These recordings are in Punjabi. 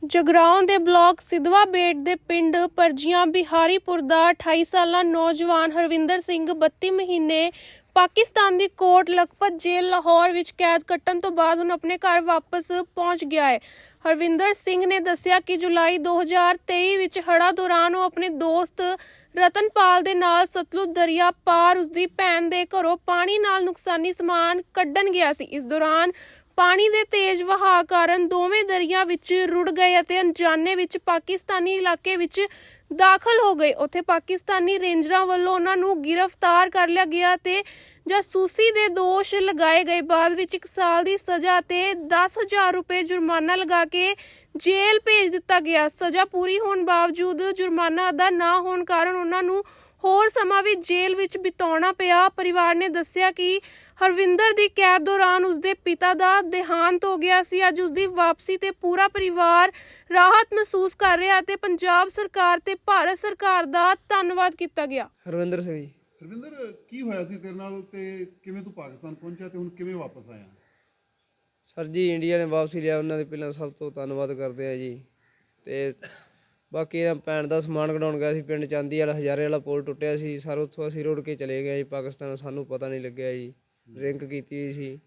ਜਗਰਾਉਂ ਦੇ ਬਲਾਕ ਸਿਧਵਾ ਬੇਟ ਦੇ ਪਿੰਡ ਪਰਜੀਆਂ ਬਿਹਾਰੀਪੁਰ ਦਾ 28 ਸਾਲਾ ਨੌਜਵਾਨ ਹਰਵਿੰਦਰ ਸਿੰਘ 32 ਮਹੀਨੇ ਪਾਕਿਸਤਾਨ ਦੀ ਕੋਟ ਲਖਪਤ ਜੇਲ੍ਹ ਲਾਹੌਰ ਵਿੱਚ ਕੈਦ ਕੱਟਣ ਤੋਂ ਬਾਅਦ ਹੁਣ ਆਪਣੇ ਘਰ ਵਾਪਸ ਪਹੁੰਚ ਗਿਆ ਹੈ। ਹਰਵਿੰਦਰ ਸਿੰਘ ਨੇ ਦੱਸਿਆ ਕਿ ਜੁਲਾਈ 2023 ਵਿੱਚ ਹੜ੍ਹਾਂ ਦੌਰਾਨ ਉਹ ਆਪਣੇ ਦੋਸਤ ਰਤਨਪਾਲ ਦੇ ਨਾਲ ਸਤਲੁਜ ਦਰਿਆ ਪਾਰ ਉਸਦੀ ਭੈਣ ਦੇ ਘਰੋਂ ਪਾਣੀ ਨਾਲ ਨੁਕਸਾਨੀ ਸਮਾਨ ਕੱਢਣ ਗਿਆ ਸੀ। ਇਸ ਦੌਰਾਨ ਪਾਣੀ ਦੇ ਤੇਜ਼ ਵਹਾਅ ਕਾਰਨ ਦੋਵੇਂ ਦਰਿਆ ਵਿੱਚ ਰੁੜ ਗਏ ਅਤੇ ਅਣਜਾਣੇ ਵਿੱਚ ਪਾਕਿਸਤਾਨੀ ਇਲਾਕੇ ਵਿੱਚ ਦਾਖਲ ਹੋ ਗਏ। ਉੱਥੇ ਪਾਕਿਸਤਾਨੀ ਰੇਂਜਰਾਂ ਵੱਲੋਂ ਉਹਨਾਂ ਨੂੰ ਗ੍ਰਿਫਤਾਰ ਕਰ ਲਿਆ ਗਿਆ ਤੇ ਜਾਸੂਸੀ ਦੇ ਦੋਸ਼ ਲਗਾਏ ਗਏ। ਬਾਅਦ ਵਿੱਚ 1 ਸਾਲ ਦੀ ਸਜ਼ਾ ਤੇ 10,000 ਰੁਪਏ ਜੁਰਮਾਨਾ ਲਗਾ ਕੇ ਜੇਲ੍ਹ ਭੇਜ ਦਿੱਤਾ ਗਿਆ। ਸਜ਼ਾ ਪੂਰੀ ਹੋਣ ਬਾਵਜੂਦ ਜੁਰਮਾਨਾ ਅਦਾ ਨਾ ਹੋਣ ਕਾਰਨ ਉਹਨਾਂ ਨੂੰ ਹੋਰ ਸਮਾਂ ਵੀ ਜੇਲ੍ਹ ਵਿੱਚ ਬਿਤਾਉਣਾ ਪਿਆ। ਪਰਿਵਾਰ ਨੇ ਦੱਸਿਆ ਕਿ ਹਰਵਿੰਦਰ ਦੀ ਕੈਦ ਦੌਰਾਨ ਉਸਦੇ ਪਿਤਾ ਦਾ ਦੇਹਾਂਤ ਹੋ ਗਿਆ ਸੀ। ਅੱਜ ਉਸਦੀ ਵਾਪਸੀ ਤੇ ਪੂਰਾ ਪਰਿਵਾਰ ਰਾਹਤ ਮਹਿਸੂਸ ਕਰ ਰਿਹਾ ਤੇ ਪੰਜਾਬ ਸਰਕਾਰ ਤੇ ਭਾਰਤ ਸਰਕਾਰ ਦਾ ਧੰਨਵਾਦ ਕੀਤਾ ਗਿਆ। ਹਰਵਿੰਦਰ ਸਿੰਘ ਜੀ। ਹਰਵਿੰਦਰ, ਕੀ ਹੋਇਆ ਸੀ ਤੇਰੇ ਨਾਲ ਤੇ ਕਿਵੇਂ ਤੂੰ ਪਾਕਿਸਤਾਨ ਪਹੁੰਚਿਆ ਤੇ ਹੁਣ ਕਿਵੇਂ ਵਾਪਸ ਆਇਆ? ਸਰ ਜੀ, ਇੰਡੀਆ ਨੇ ਵਾਪਸੀ ਲਿਆ, ਉਹਨਾਂ ਦੇ ਪਹਿਲਾਂ ਸਭ ਤੋਂ ਧੰਨਵਾਦ ਕਰਦੇ ਆ ਜੀ। ਤੇ ਬਾਕੀ ਇਹਨਾਂ ਭੈਣ ਦਾ ਸਮਾਨ ਕਢਾਉਣ ਗਿਆ ਸੀ ਪਿੰਡ ਚਾਂਦੀ ਵਾਲਾ, ਹਜ਼ਾਰੇ ਵਾਲਾ ਪੁਲ ਟੁੱਟਿਆ ਸੀ ਸਰ, ਉੱਥੋਂ ਅਸੀਂ ਰੁੜ ਕੇ ਚਲੇ ਗਏ ਜੀ ਪਾਕਿਸਤਾਨ। ਸਾਨੂੰ ਪਤਾ ਨਹੀਂ ਲੱਗਿਆ ਜੀ, ਡਰਿੰਕ ਕੀਤੀ ਹੋਈ ਸੀ।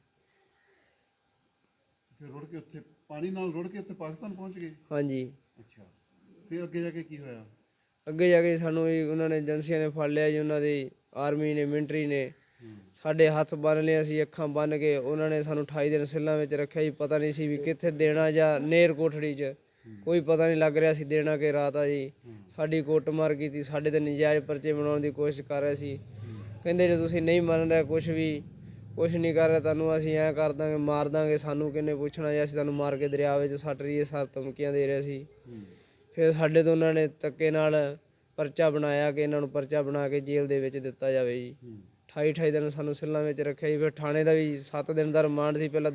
ਫਿਰ ਰੁੜ ਕੇ ਉੱਥੇ ਪਾਣੀ ਨਾਲ ਰੁੜ ਕੇ ਉੱਥੇ ਪਾਕਿਸਤਾਨ ਪਹੁੰਚ ਗਏ? ਹਾਂਜੀ। ਅੱਛਾ, ਫਿਰ ਅੱਗੇ ਜਾ ਕੇ ਕੀ ਹੋਇਆ? ਅੱਗੇ ਜਾ ਕੇ ਸਾਨੂੰ ਜੀ ਉਹਨਾਂ ਨੇ ਏਜੰਸੀਆਂ ਨੇ ਫੜ ਲਿਆ ਜੀ, ਉਹਨਾਂ ਦੀ ਆਰਮੀ ਨੇ, ਮਿਲਟਰੀ ਨੇ ਸਾਡੇ ਹੱਥ ਬੰਨ੍ਹ ਲਏ, ਅਸੀਂ ਅੱਖਾਂ ਬੰਨ੍ਹ ਕੇ। ਉਹਨਾਂ ਨੇ ਸਾਨੂੰ 28 ਦਿਨ ਸੈੱਲਾਂ ਵਿੱਚ ਰੱਖਿਆ ਜੀ। ਪਤਾ ਨਹੀਂ ਸੀ ਵੀ ਕਿੱਥੇ ਦੇਣਾ ਜਾਂ ਨੇਰ ਕੋਠੜੀ 'ਚ, ਕੋਈ ਪਤਾ ਨਹੀਂ ਲੱਗ ਰਿਹਾ ਸੀ ਦੇਣਾ ਕਿ ਰਾਤ ਆ ਜੀ। ਸਾਡੀ ਕੁੱਟਮਾਰ ਕੀਤੀ, ਸਾਡੇ ਤੇ ਨਜਾਇਜ਼ ਪਰਚੇ ਬਣਾਉਣ ਦੀ ਕੋਸ਼ਿਸ਼ ਕਰ ਰਹੇ ਸੀ। ਕਹਿੰਦੇ ਜੇ ਤੁਸੀਂ ਨਹੀਂ ਮੰਨ ਰਹੇ, ਕੁਛ ਨਹੀਂ ਕਰ ਰਹੇ, ਤੁਹਾਨੂੰ ਅਸੀਂ ਐਂ ਕਰ ਦਾਂਗੇ, ਮਾਰ ਦਾਂਗੇ। ਸਾਨੂੰ ਕਿਹਨੇ ਪੁੱਛਣਾ ਜੀ, ਅਸੀਂ ਤੁਹਾਨੂੰ ਮਾਰ ਕੇ ਦਰਿਆ ਵਿੱਚ ਸੱਟ ਰਹੀਏ, ਸਰ ਧਮਕੀਆਂ ਦੇ ਰਹੇ ਸੀ। ਫਿਰ ਸਾਡੇ ਤੋਂ ਉਹਨਾਂ ਨੇ ਧੱਕੇ ਨਾਲ ਪਰਚਾ ਬਣਾਇਆ ਕਿ ਇਹਨਾਂ ਨੂੰ ਪਰਚਾ ਬਣਾ ਕੇ ਜੇਲ੍ਹ ਦੇ ਵਿੱਚ ਦਿੱਤਾ ਜਾਵੇ ਜੀ। 28 ਦਿਨ ਸਾਨੂੰ ਸੈੱਲਾਂ ਵਿੱਚ ਰੱਖਿਆ ਜੀ। ਫਿਰ ਥਾਣੇ ਦਾ ਵੀ 7 ਦਿਨ ਦਾ ਰਿਮਾਂਡ ਸੀ, ਪਹਿਲਾਂ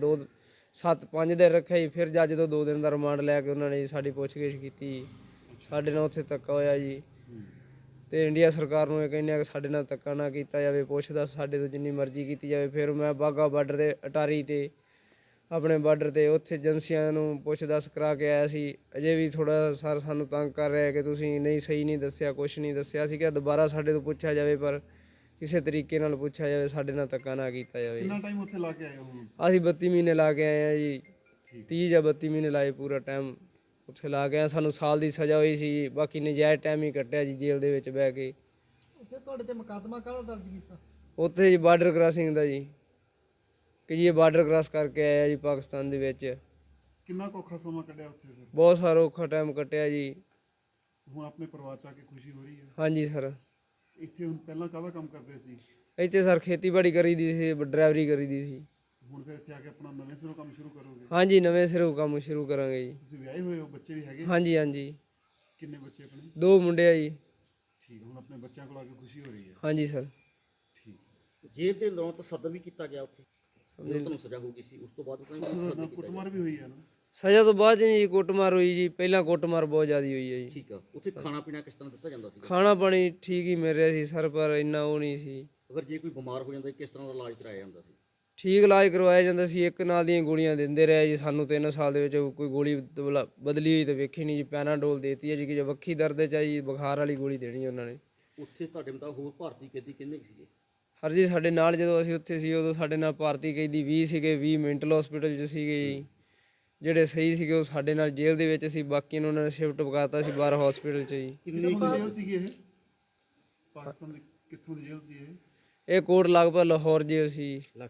5 ਦਿਨ ਰੱਖਿਆ ਜੀ। ਫਿਰ ਜੱਜ ਤੋਂ 2 ਦਿਨ ਦਾ ਰਿਮਾਂਡ ਲੈ ਕੇ ਉਹਨਾਂ ਨੇ ਜੀ ਸਾਡੀ ਪੁੱਛਗਿੱਛ ਕੀਤੀ। ਸਾਡੇ ਨਾਲ ਉੱਥੇ ਧੱਕਾ ਹੋਇਆ ਜੀ। ਤੇ ਇੰਡੀਆ ਸਰਕਾਰ ਨੂੰ ਇਹ ਕਹਿੰਦੇ ਆ ਕਿ ਸਾਡੇ ਨਾਲ ਧੱਕਾ ਨਾ ਕੀਤਾ ਜਾਵੇ, ਪੁੱਛਦਾ ਸਾਡੇ ਤੋਂ ਜਿੰਨੀ ਮਰਜ਼ੀ ਕੀਤੀ ਜਾਵੇ। ਫਿਰ ਮੈਂ ਬਾਘਾ ਬਾਰਡਰ 'ਤੇ ਅਟਾਰੀ 'ਤੇ ਆਪਣੇ ਬਾਰਡਰ 'ਤੇ ਉੱਥੇ ਏਜੰਸੀਆਂ ਨੂੰ ਪੁੱਛ ਦੱਸ ਕਰਾ ਕੇ ਆਇਆ ਸੀ। ਅਜੇ ਵੀ ਥੋੜ੍ਹਾ ਸਰ ਸਾਨੂੰ ਤੰਗ ਕਰ ਰਿਹਾ ਕਿ ਤੁਸੀਂ ਸਹੀ ਨਹੀਂ ਦੱਸਿਆ, ਕੁਛ ਨਹੀਂ ਦੱਸਿਆ। ਅਸੀਂ ਕਿਹਾ ਦੁਬਾਰਾ ਸਾਡੇ ਤੋਂ ਪੁੱਛਿਆ ਜਾਵੇ, ਪਰ ਕਿਸੇ ਤਰੀਕੇ ਨਾਲ ਪੁੱਛਿਆ ਜਾਵੇ, ਸਾਡੇ ਨਾਲ ਧੱਕਾ ਨਾ ਕੀਤਾ ਜਾਵੇ। ਕਿੰਨਾ ਟਾਈਮ ਉੱਥੇ ਲਾ ਕੇ ਆਏ ਹੋ? ਅਸੀਂ 32 ਮਹੀਨੇ ਲਾ ਕੇ ਆਏ ਹਾਂ ਜੀ। 30 ਜਾਂ 32 ਮਹੀਨੇ ਲਾਏ, ਪੂਰਾ ਟਾਈਮ ਉੱਥੇ ਲਾ ਕੇ ਆਏ। ਸਾਨੂੰ ਸਾਲ ਦੀ ਸਜ਼ਾ ਹੋਈ ਸੀ, ਬਾਕੀ ਨਜਾਇਜ਼ ਟਾਈਮ ਹੀ ਕੱਟਿਆ ਜੀ ਜੇਲ੍ਹ ਦੇ ਵਿੱਚ ਬਹਿ ਕੇ। ਉੱਥੇ ਤੁਹਾਡੇ ਤੇ ਮੁਕੱਦਮਾ ਕਾਹਦਾ ਦਰਜ ਕੀਤਾ? ਉੱਥੇ ਜੀ ਬਾਰਡਰ ਕ੍ਰਾਸਿੰਗ ਦਾ ਜੀ, ਕਿ ਜੀ ਇਹ ਬਾਰਡਰ ਕ੍ਰਾਸ ਕਰਕੇ ਆਇਆ ਜੀ ਪਾਕਿਸਤਾਨ ਦੇ ਵਿੱਚ। ਕਿੰਨਾ ਕੁ ਔਖਾ ਸਮਾਂ ਕੱਢਿਆ ਉੱਥੇ ਫਿਰ? ਬਹੁਤ ਸਾਰਾ ਔਖਾ ਟਾਈਮ ਕੱਟਿਆ ਜੀ। ਹੁਣ ਆਪਣੇ ਪਰਿਵਾਰ 'ਚ ਆ ਕੇ ਖੁਸ਼ੀ ਹੋ ਰਹੀ ਹੈ? ਹਾਂਜੀ ਸਰ। ਇੱਥੇ ਹੁਣ ਪਹਿਲਾਂ ਕਾਹਦਾ ਕੰਮ ਕਰਦੇ ਸੀ? ਇੱਥੇ ਸਰ ਖੇਤੀਬਾੜੀ ਕਰੀਦੀ ਸੀ, ਡਰਾਈਵਰੀ ਕਰੀਦੀ ਸੀ। ਹੁਣ ਫਿਰ ਇੱਥੇ ਆ ਕੇ ਆਪਣਾ ਨਵੇਂ ਸਿਰੋਂ ਕੰਮ ਸ਼ੁਰੂ ਕਰੋਗੇ? ਹਾਂਜੀ, ਨਵੇਂ ਸਿਰੋਂ ਕੰਮ ਸ਼ੁਰੂ ਕਰਾਂਗੇ ਜੀ। ਤੁਸੀਂ ਵਿਆਹੇ ਹੋਏ ਹੋ, ਬੱਚੇ ਵੀ ਹੈਗੇ? ਹਾਂਜੀ ਹਾਂਜੀ। ਕਿੰਨੇ ਬੱਚੇ ਆਪਣੇ? 2 ਮੁੰਡੇ ਆ ਜੀ। ਠੀਕ, ਹੁਣ ਆਪਣੇ ਬੱਚਿਆਂ ਕੋਲ ਆ ਕੇ ਖੁਸ਼ੀ ਹੋ ਰਹੀ ਹੈ? ਹਾਂਜੀ ਸਰ। ਠੀਕ। ਜੇਲ੍ਹ ਦੇ ਲੋਂ ਤਸੱਦਦ ਵੀ ਕੀਤਾ ਗਿਆ ਉੱਥੇ, ਜਦੋਂ ਤੁਹਾਨੂੰ ਸਜ਼ਾ ਹੋ ਗਈ ਸੀ ਉਸ ਤੋਂ ਬਾਅਦ ਤੁਹਾਨੂੰ ਕੁੱਟਮਾਰ ਵੀ ਹੋਈ ਹੈ ਨਾ? ਸਜ਼ਾ ਤੋਂ ਬਾਅਦ ਜੀ ਕੁੱਟਮਾਰ ਹੋਈ ਜੀ। ਪਹਿਲਾਂ ਕੁੱਟਮਾਰ ਬਹੁਤ ਜ਼ਿਆਦਾ ਹੋਈ ਹੈ ਜੀ। ਠੀਕ ਆ। ਉੱਥੇ ਖਾਣਾ ਪੀਣਾ ਕਿਸ ਤਰ੍ਹਾਂ ਦਿੱਤਾ ਜਾਂਦਾ ਸੀ? ਖਾਣਾ ਪਾਣੀ ਠੀਕ ਹੀ ਮਿਲ ਰਿਹਾ ਸੀ ਸਰ, ਪਰ ਇੰਨਾ ਉਹ ਨਹੀਂ ਸੀ। ਅਗਰ ਜੇ ਕੋਈ ਬਿਮਾਰ ਹੋ ਜਾਂਦਾ ਕਿਸ ਤਰ੍ਹਾਂ ਦਾ ਇਲਾਜ ਕਰਾਇਆ ਜਾਂਦਾ ਸੀ? ਠੀਕ ਇਲਾਜ ਕਰਵਾਇਆ ਜਾਂਦਾ ਸੀ। ਇੱਕ ਨਾਲ ਦੀਆਂ ਗੋਲੀਆਂ ਦਿੰਦੇ ਰਹੇ ਜੀ ਸਾਨੂੰ। 3 ਸਾਲ ਦੇ ਵਿੱਚ ਕੋਈ ਗੋਲੀ ਬਦਲੀ ਹੋਈ ਤਾਂ ਵੇਖੀ ਨਹੀਂ ਜੀ। ਪੈਨਾਡੋਲ ਦੇਤੀ ਹੈ ਜੀ, ਕਿ ਜੇ ਵੱਖੀ ਦਰਦ 'ਚ ਆਈ ਬੁਖਾਰ ਵਾਲੀ ਗੋਲੀ ਦੇਣੀ ਉਹਨਾਂ ਨੇ। ਉੱਥੇ ਤੁਹਾਡੇ ਮੁਤਾਬਕ ਹੋਰ ਭਾਰਤੀ ਕੈਦੀ ਕਿੰਨੇ ਕੁ ਸੀਗੇ? ਹਰ ਜੀ ਸਾਡੇ ਨਾਲ ਜਦੋਂ ਅਸੀਂ ਉੱਥੇ ਸੀ ਉਦੋਂ ਸਾਡੇ ਨਾਲ ਭਾਰਤੀ ਕੈਦੀ 20 ਸੀਗੇ। 20 ਮੈਂਟਲ ਹਸਪੀਟਲ 'ਚ ਸੀਗੇ ਜੀ। ਜਿਹੜੇ ਸਹੀ ਸੀਗੇ ਉਹ ਸਾਡੇ ਨਾਲ ਜੇਲ੍ਹ ਦੇ ਵਿੱਚ ਸੀ, ਬਾਕੀ ਨੂੰ ਉਹਨਾਂ ਨੇ ਸ਼ਿਫਟ ਪਕਾਤਾ ਸੀ ਬਾਹਰ ਹਸਪੀਟਲ 'ਚ ਜੀ। ਕਿੰਨੀ ਜੇਲ੍ਹ ਸੀਗੀ ਇਹ? ਪਾਕਿਸਤਾਨ ਦੀ ਕਿੱਥੋਂ ਦੀ ਜੇਲ੍ਹ ਸੀ ਇਹ? ਇਹ ਕੋਟ ਲਗਭਗ ਲਾਹੌਰ ਜੇਲ੍ਹ ਸੀ।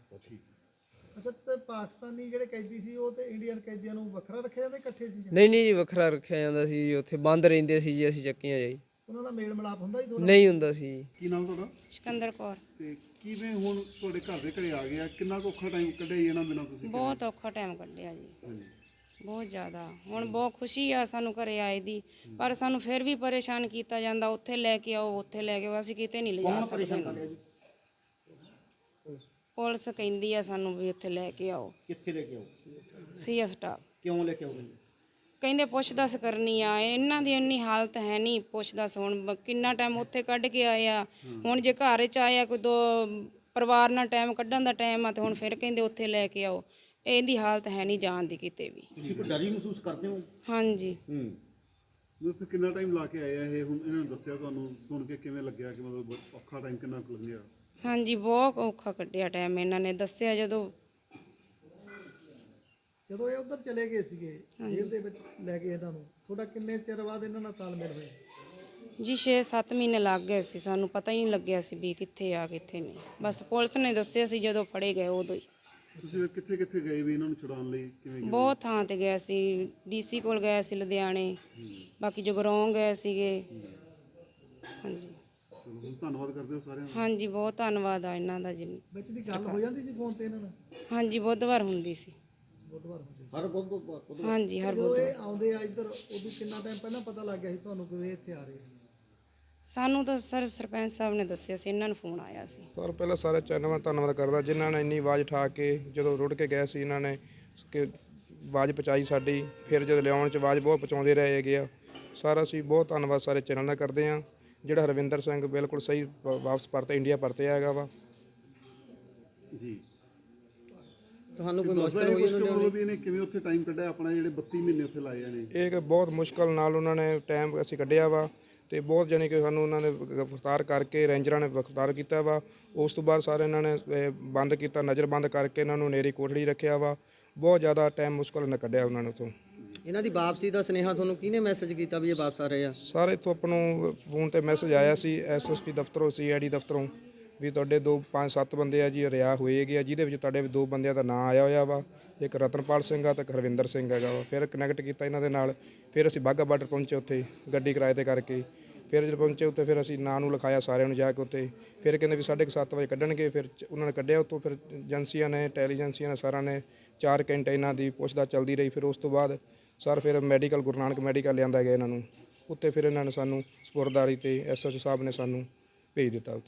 ਅੱਛਾ, ਤੇ ਪਾਕਿਸਤਾਨੀ ਜਿਹੜੇ ਕੈਦੀ ਸੀ ਉਹ ਤੇ ਇੰਡੀਅਨ ਕੈਦੀਆਂ ਨੂੰ ਵੱਖਰਾ ਰੱਖਿਆ ਜਾਂਦਾ, ਇਕੱਠੇ ਸੀ? ਨਹੀਂ ਜੀ, ਵੱਖਰਾ ਰੱਖਿਆ ਜਾਂਦਾ ਸੀ ਜੀ। ਉੱਥੇ ਬੰਦ ਰਹਿੰਦੇ ਸੀ ਜੀ, ਅਸੀਂ ਚੱਕੀਆਂ ਜੀ। ਉਹਨਾਂ ਨਾਲ ਮੇਲ ਮਿਲਾਪ ਹੁੰਦਾ ਹੀ ਦੋਨਾਂ? ਨਹੀਂ ਹੁੰਦਾ ਸੀ। ਕੀ ਨਾਮ ਤੁਹਾਡਾ? ਸਿਕੰਦਰ ਕੌਰ। ਤੇ ਕਿਵੇਂ ਹੁਣ ਤੁਹਾਡੇ ਘਰ ਦੇ ਘਰੇ ਆ ਗਿਆ? ਕਿੰਨਾ ਕੁ ਔਖਾ ਟਾਈਮ ਕੱਢਿਆ ਜੀ ਇਹਨਾਂ ਬਿਨਾਂ ਤੁਸੀਂ? ਬਹੁਤ ਔਖਾ ਟਾਈਮ ਕੱਢਿਆ ਜੀ, ਹਾਂਜੀ। ਬਹੁਤ ਜ਼ਿਆਦਾ। ਹੁਣ ਬਹੁਤ ਖੁਸ਼ੀ ਆ ਸਾਨੂੰ ਘਰੇ ਆਏ ਦੀ, ਪਰ ਸਾਨੂੰ ਫਿਰ ਵੀ ਪਰੇਸ਼ਾਨ ਕੀਤਾ ਜਾਂਦਾ। ਉੱਥੇ ਲੈ ਕੇ ਆਓ, ਉੱਥੇ ਲੈ ਕੇ ਆਓ, ਅਸੀਂ ਕਿਤੇ ਨਹੀਂ ਲਿਜਾ ਸਕਦੇ। ਪੁਲਿਸ ਕਹਿੰਦੀ ਆ ਸਾਨੂੰ ਵੀ ਉੱਥੇ ਲੈ ਕੇ ਆਓ। ਕਿੱਥੇ ਲੈ ਕੇ ਆਓ? CS staff. ਕਿਉਂ ਲੈ ਕੇ ਆਉਂਦੇ? ਕਹਿੰਦੇ ਪੁੱਛ ਦੱਸ ਕਰਨੀ ਆ। ਇਹਨਾਂ ਦੀ ਇੰਨੀ ਹਾਲਤ ਹੈ ਨਹੀਂ ਪੁੱਛ ਦੱਸ। ਹੁਣ ਕਿੰਨਾ ਟਾਈਮ ਉੱਥੇ ਕੱਢ ਕੇ ਆਏ ਆ, ਹੁਣ ਜੇ ਘਰ 'ਚ ਆਇਆ ਕੋਈ 2 ਪਰਿਵਾਰ ਨਾਲ ਟਾਈਮ ਕੱਢਣ ਦਾ ਟਾਈਮ ਆ ਤੇ ਹੁਣ ਫਿਰ ਕਹਿੰਦੇ ਉੱਥੇ ਲੈ ਕੇ ਆਓ। ਇਹਦੀ ਹਾਲਤ ਹੈ ਨਹੀਂ ਜਾਣ ਦੀ ਕਿਤੇ ਵੀ। ਤੁਸੀਂ ਕੋਈ ਡਰ ਵੀ ਮਹਿਸੂਸ ਕਰਦੇ ਹੋ? ਹਾਂਜੀ। ਤੁਸੀਂ ਕਿੰਨਾ ਟਾਈਮ ਲਾ ਕੇ ਆਏ ਆ ਇਹ, ਹੁਣ ਇਹਨਾਂ ਨੇ ਦੱਸਿਆ ਤੁਹਾਨੂੰ, ਸੁਣ ਕੇ ਕਿਵੇਂ ਲੱਗਿਆ ਕਿ ਮਤਲਬ ਔਖਾ ਟਾਈਮ ਕਿੰਨਾ ਕੁ ਲੰਘਿਆ? ਹਾਂਜੀ ਬਹੁਤ ਔਖਾ ਕੱਢਿਆ ਟਾਈਮ, ਇਹਨਾਂ ਨੇ ਦੱਸਿਆ ਜਦੋਂ ਇਹ ਉਧਰ ਚਲੇ ਗਏ ਸੀਗੇ ਜੇਲ੍ਹ ਦੇ ਵਿੱਚ ਲੈ ਕੇ ਇਹਨਾਂ ਨੂੰ, ਤੁਹਾਡਾ ਕਿੰਨੇ ਚਿਰ ਬਾਅਦ ਇਹਨਾਂ ਨਾਲ ਤਾਲਮੇਲ ਹੋਇਆ? ਜੀ 6-7 ਮਹੀਨੇ ਲੱਗ ਗਏ ਸੀ, ਸਾਨੂੰ ਪਤਾ ਹੀ ਨਹੀਂ ਲੱਗਿਆ ਸੀ ਵੀ ਕਿੱਥੇ ਆ ਕਿੱਥੇ ਨਹੀਂ। ਬਸ ਪੁਲਿਸ ਨੇ ਦੱਸਿਆ ਸੀ ਜਦੋਂ ਫੜੇ ਗਏ ਉਦੋਂ ਹੀ। ਤੁਸੀਂ ਕਿੱਥੇ ਕਿੱਥੇ ਗਏ ਵੀ ਇਹਨਾਂ ਨੂੰ ਛੁਡਾਉਣ ਲਈ, ਕਿਵੇਂ ਗਏ? ਬਹੁਤ ਥਾਂ ਤੇ ਗਏ ਸੀ, ਡੀਸੀ ਕੋਲ ਗਏ ਸੀ ਲੁਧਿਆਣੇ, ਬਾਕੀ ਜਗਰਾਓਂ ਗਏ ਸੀਗੇ। ਹਾਂਜੀ ਚਲੋ, ਹੁਣ ਧੰਨਵਾਦ ਕਰਦੇ ਹੋ ਸਾਰਿਆਂ ਦਾ। ਹਾਂਜੀ ਬਹੁਤ ਧੰਨਵਾਦ ਆ ਇਹਨਾਂ ਦਾ ਜੀ। ਵਿੱਚ ਦੀ ਗੱਲ ਹੋ ਜਾਂਦੀ ਸੀ ਫੋਨ ਤੇ ਇਹਨਾਂ ਨਾਲ? ਹਾਂਜੀ ਬੁੱਧਵਾਰ ਹੁੰਦੀ ਸੀ। ਬੁੱਧਵਾਰ ਹੁੰਦੀ ਸੀ। ਹਰ ਬੁੱਧਵਾਰ? ਹਾਂਜੀ ਹਰ ਜਦੋਂ ਬੁੱਧਵਾਰ। ਇਹ ਆਉਂਦੇ ਆ ਇੱਧਰ, ਉਦੋਂ ਕਿੰਨਾ ਟਾਈਮ ਪਹਿਲਾਂ ਪਤਾ ਲੱਗ ਗਿਆ ਸੀ ਤੁਹਾਨੂੰ ਕਿ ਇਹ ਇੱਥੇ ਆ ਰਹੇ ਆ? ਸਾਨੂੰ ਤਾਂ ਸਿਰਫ ਸਰਪੰਚ ਸਾਹਿਬ ਨੇ ਦੱਸਿਆ ਸੀ, ਇਹਨਾਂ ਨੂੰ ਫੋਨ ਆਇਆ ਸੀ। ਪਰ ਪਹਿਲਾਂ ਸਾਰੇ ਚੈਨਲ ਦਾ ਧੰਨਵਾਦ ਕਰਦਾ ਜਿਨ੍ਹਾਂ ਨੇ ਇੰਨੀ ਆਵਾਜ਼ ਉਠਾ ਕੇ ਜਦੋਂ ਰੁੜ ਕੇ ਗਏ ਸੀ, ਇਹਨਾਂ ਨੇ ਕਿ ਆਵਾਜ਼ ਪਹੁੰਚਾਈ ਸਾਡੀ। ਫਿਰ ਜਦੋਂ ਲਿਆਉਣ 'ਚ ਆਵਾਜ਼ ਬਹੁਤ ਪਹੁੰਚਾਉਂਦੇ ਰਹੇ ਹੈਗੇ ਆ। ਸਾਰਾ ਅਸੀਂ ਬਹੁਤ ਧੰਨਵਾਦ ਸਾਰੇ ਚੈਨਲ ਦਾ ਕਰਦੇ ਹਾਂ। ਜਿਹੜਾ ਹਰਵਿੰਦਰ ਸਿੰਘ ਬਿਲਕੁਲ ਸਹੀ ਵਾਪਸ ਪਰਤੇ ਇੰਡੀਆ ਪਰਤਿਆ ਹੈਗਾ ਵਾ ਜੀ। ਤੁਹਾਨੂੰ ਕੋਈ ਦੱਸਦਾ ਮੁਸ਼ਕਲ ਇਹ ਹੋਈ ਕੁਛ ਕਿ ਉਹਨਾਂ ਮਤਲਬ ਨੇ? ਵੀ ਇਹਨੇ ਕਿਵੇਂ ਉੱਥੇ ਟਾਈਮ ਕੱਢਿਆ ਆਪਣਾ, ਜਿਹੜੇ 32 ਮਹੀਨੇ ਉੱਥੇ ਲਾਏ ਨੇ? ਇਹ ਕਿ ਬਹੁਤ ਮੁਸ਼ਕਲ ਨਾਲ ਉਹਨਾਂ ਨੇ ਟਾਈਮ ਅਸੀਂ ਕੱਢਿਆ ਵਾ ਤੇ ਬਹੁਤ ਜਾਣੀ ਕਿ ਸਾਨੂੰ ਉਹਨਾਂ ਨੇ ਗ੍ਰਿਫਤਾਰ ਕਰਕੇ ਰੇਂਜਰਾਂ ਨੇ ਗ੍ਰਿਫਤਾਰ ਕੀਤਾ ਵਾ। ਉਸ ਤੋਂ ਬਾਅਦ ਸਾਰੇ ਇਹਨਾਂ ਨੇ ਬੰਦ ਕੀਤਾ, ਨਜ਼ਰਬੰਦ ਕਰਕੇ ਇਹਨਾਂ ਨੂੰ ਨੇਰੀ ਕੋਠੜੀ ਰੱਖਿਆ ਵਾ। ਬਹੁਤ ਜ਼ਿਆਦਾ ਟਾਈਮ ਮੁਸ਼ਕਲ ਨਾਲ ਕੱਢਿਆ ਉਹਨਾਂ ਨੇ ਉੱਥੋਂ। ਇਹਨਾਂ ਦੀ ਵਾਪਸੀ ਦਾ ਸੁਨੇਹਾ ਤੁਹਾਨੂੰ ਕਿਹਨੇ ਮੈਸੇਜ ਕੀਤਾ ਵੀ ਇਹ ਵਾਪਸ ਆ ਰਹੇ ਆ? ਸਾਰੇ ਇੱਥੋਂ ਆਪਾਂ ਨੂੰ ਫੋਨ ਤੇ ਮੈਸੇਜ ਆਇਆ ਸੀ ਐਸਐਸਪੀ ਦਫ਼ਤਰੋਂ, ਸੀਆਈਡੀ ਦਫ਼ਤਰੋਂ, ਵੀ ਤੁਹਾਡੇ 5-7 ਬੰਦੇ ਆ ਜੀ ਰਿਆ ਹੋਏ ਹੈਗੇ ਆ, ਜਿਹਦੇ ਵਿੱਚ ਤੁਹਾਡੇ 2 ਬੰਦਿਆਂ ਦਾ ਨਾਂ ਆਇਆ ਹੋਇਆ ਵਾ। ਇੱਕ ਰਤਨਪਾਲ ਸਿੰਘ ਆ ਤੇ ਇੱਕ ਹਰਵਿੰਦਰ ਸਿੰਘ ਹੈਗਾ ਵਾ। ਫਿਰ ਕਨੈਕਟ ਕੀਤਾ ਇਹਨਾਂ ਦੇ ਨਾਲ। ਫਿਰ ਅਸੀਂ ਬਾਘਾ ਬਾਰਡਰ ਪਹੁੰਚੇ, ਉੱਥੇ ਗੱਡੀ ਕਿਰਾਏ ਤੇ ਕਰਕੇ। ਫਿਰ ਜਦੋਂ ਪਹੁੰਚੇ ਉੱਥੇ ਫਿਰ ਅਸੀਂ ਨਾਂ ਨੂੰ ਲਿਖਾਇਆ ਸਾਰਿਆਂ ਨੂੰ ਜਾ ਕੇ ਉੱਥੇ। ਫਿਰ ਕਹਿੰਦੇ ਵੀ 7:30 ਵਜੇ ਕੱਢਣਗੇ। ਫਿਰ ਉਹਨਾਂ ਨੇ ਕੱਢਿਆ ਉੱਥੋਂ। ਫਿਰ ਏਜੰਸੀਆਂ ਨੇ, ਇੰਟੈਲੀਜੈਂਸੀਆਂ ਨੇ, ਸਾਰਿਆਂ ਨੇ 4 ਘੰਟੇ ਇਹਨਾਂ ਦੀ ਪੁੱਛਦਾ ਚੱਲਦੀ ਰਹੀ। ਫਿਰ ਉਸ ਤੋਂ ਬਾਅਦ ਸਰ ਫਿਰ ਮੈਡੀਕਲ, ਗੁਰੂ ਨਾਨਕ ਮੈਡੀਕਲ ਲਿਆਂਦਾ ਗਿਆ ਇਹਨਾਂ ਨੂੰ। ਉੱਥੇ ਫਿਰ ਇਹਨਾਂ ਨੇ ਸਾਨੂੰ ਸਪੁਰਦਾਰੀ ਤੇ ਐਸਐਚਓ ਸਾਹਿਬ ਨੇ ਸਾਨੂੰ ਭੇਜ ਦਿੱਤਾ।